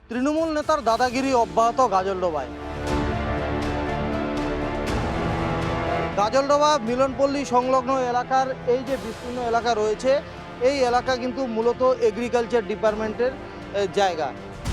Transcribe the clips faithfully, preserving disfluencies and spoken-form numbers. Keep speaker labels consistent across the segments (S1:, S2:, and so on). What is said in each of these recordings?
S1: তৃণমূল নেতার দাদাগিরি অব্যাহত গাজলডোবায়। গাজলডোবা মিলনপল্লী সংলগ্ন এলাকার এই যে বিস্তীর্ণ এলাকা রয়েছে, এই এলাকা কিন্তু মূলত এগ্রিকালচার ডিপার্টমেন্টের জায়গা।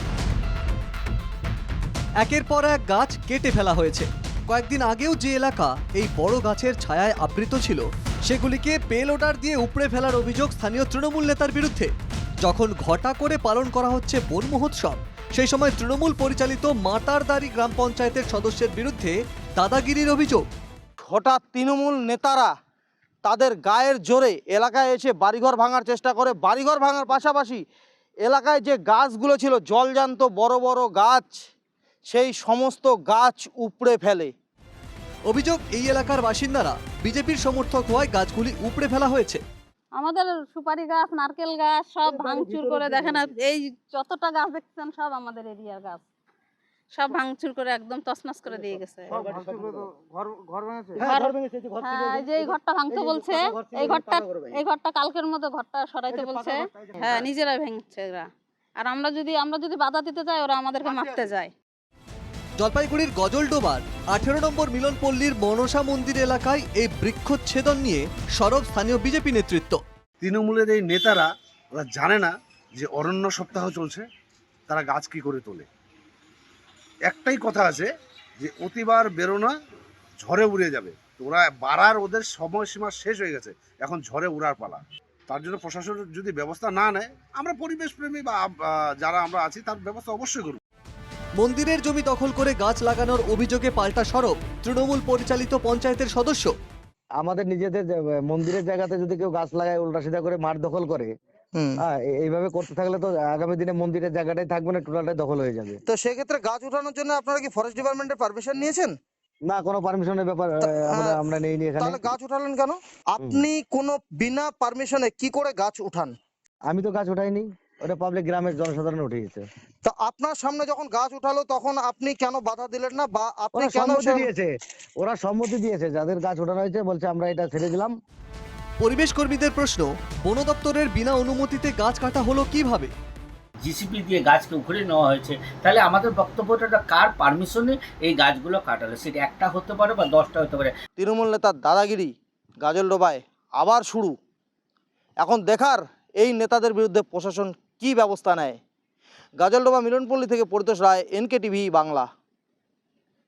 S2: একের পর এক গাছ কেটে ফেলা হয়েছে। কয়েকদিন আগেও যে এলাকা এই বড় গাছের ছায়ায় আবৃত ছিল, সেগুলিকে পেলোডার দিয়ে উপড়ে ফেলার অভিযোগ স্থানীয় তৃণমূল নেতার বিরুদ্ধে। যখন ঘটা করে পালন করা হচ্ছে বন মহোৎসব, সেই সময় তৃণমূল পরিচালিত মাতারদারি গ্রাম পঞ্চায়েতের সদস্যের বিরুদ্ধে দাদাগিরির অভিযোগ।
S1: হঠাৎ তৃণমূল নেতারা তাদের গায়ের জোরে এলাকায় এসে বাড়িঘর ভাঙার চেষ্টা করে। বাড়িঘর ভাঙার পাশাপাশি এলাকায় যে গাছগুলো ছিল জলজান্ত বড় বড় গাছ, সেই সমস্ত গাছ উপড়ে ফেলে।
S2: অভিযোগ, এই এলাকার বাসিন্দারা বিজেপির সমর্থক হওয়ায় গাছগুলি উপড়ে ফেলা হয়েছে।
S3: আমাদের সুপারি গাছ, নারকেল গাছ সব ভাঙচুর করে, দেখেন এই যতটা গাছ দেখছেন সব আমাদের এরিয়ার গাছ, সব ভাঙচুর করে একদম তছনছ করে দিয়ে গেছে। হ্যাঁ, যে এই ঘরটা ভাঙতে বলছে, এই ঘরটা এই ঘরটা কালকের মতো ঘরটা সরাইতে বলছে। হ্যাঁ, নিজেরাই ভেঙছে এরা। আর আমরা যদি আমরা যদি বাধা দিতে যাই, ওরা আমাদেরকে মারতে যায়।
S2: জলপাইগুড়ির গজলডোবার আঠেরো নম্বর মিলনপল্লীর মনসা মন্দির এলাকায় এই বৃক্ষচ্ছেদন নিয়ে সরব স্থানীয় বিজেপি নেতৃত্ব।
S4: তৃণমূলের এই নেতারা ওরা জানে না যে অরণ্য সপ্তাহ চলছে, তারা গাছ কি করে তোলে। একটাই কথা আছে যে অতিবার বেরোনা ঝড়ে উড়ে যাবে। তো ওরা বাড়ার ওদের সময়সীমা শেষ হয়ে গেছে, এখন ঝড়ে উড়ার পালা। তার জন্য প্রশাসন যদি ব্যবস্থা না নেয়, আমরা পরিবেশপ্রেমী বা যারা আমরা আছি তার ব্যবস্থা অবশ্যই করব।
S2: মন্দিরের জমি দখল করে গাছ লাগানোর অভিযোগে পাল্টা সরব তৃণমূল পরিচালিত পঞ্চায়েতের সদস্য।
S5: আমাদের নিজেদের মন্দিরের জায়গাতে যদি কেউ গাছ লাগায়, উল্টা সিধা করে মাঠ দখল করে, হ্যাঁ, এইভাবে করতে থাকলে তো আগামী দিনে মন্দিরের জায়গাটাই থাকবে না, টোটালটাই দখল হয়ে যাবে।
S1: তো সেক্ষেত্রে গাছ উঠানোর জন্য আপনারা কি ফরেস্ট ডিপার্টমেন্টের পারমিশন নিয়েছেন?
S5: না, কোনো পারমিশনের ব্যাপার আমরা আমরা নেইনি এখানে।
S1: তাহলে গাছ উঠালেন কেন? আপনি কোনো বিনা পারমিশনে কি করে গাছ উঠান?
S5: আমি তো গাছ উঠাইনি, ওটা পাবলিক গ্রামের জনসাধারণ উঠিয়েছে।
S1: তো আপনার সামনে যখন গাছ উঠালো তখন আপনি কেন বাধা দিলেন না, বা আপনি
S5: ওরা
S1: কেন
S5: সম্মতি দিয়েছে ওরা সম্মতি দিয়েছে যাদের গাছ উঠানো হয়েছে, বলছে আমরা এটা ছেড়ে দিলাম।
S2: পরিবেশ কর্মীদের প্রশ্ন, বন দপ্তরের বিনা অনুমতিতে গাছ কাটা হলো কিভাবে?
S6: জিসিপি দিয়ে গাছকে উখড়ে নেওয়া হয়েছে, তাহলে আমাদের বক্তব্যটা কার পারমিশনে এই গাছগুলো কাটালো? সেটা একটা হতে পারে বা দশটা হতে পারে।
S1: তৃণমূল নেতার দাদাগিরি গাজলডোবায় আবার শুরু। এখন দেখার এই নেতাদের বিরুদ্ধে প্রশাসন কি ব্যবস্থা নেয়। গাজলডোবা মিলনপল্লী থেকে পরিতোষ রায়, এনকে টিভি বাংলা।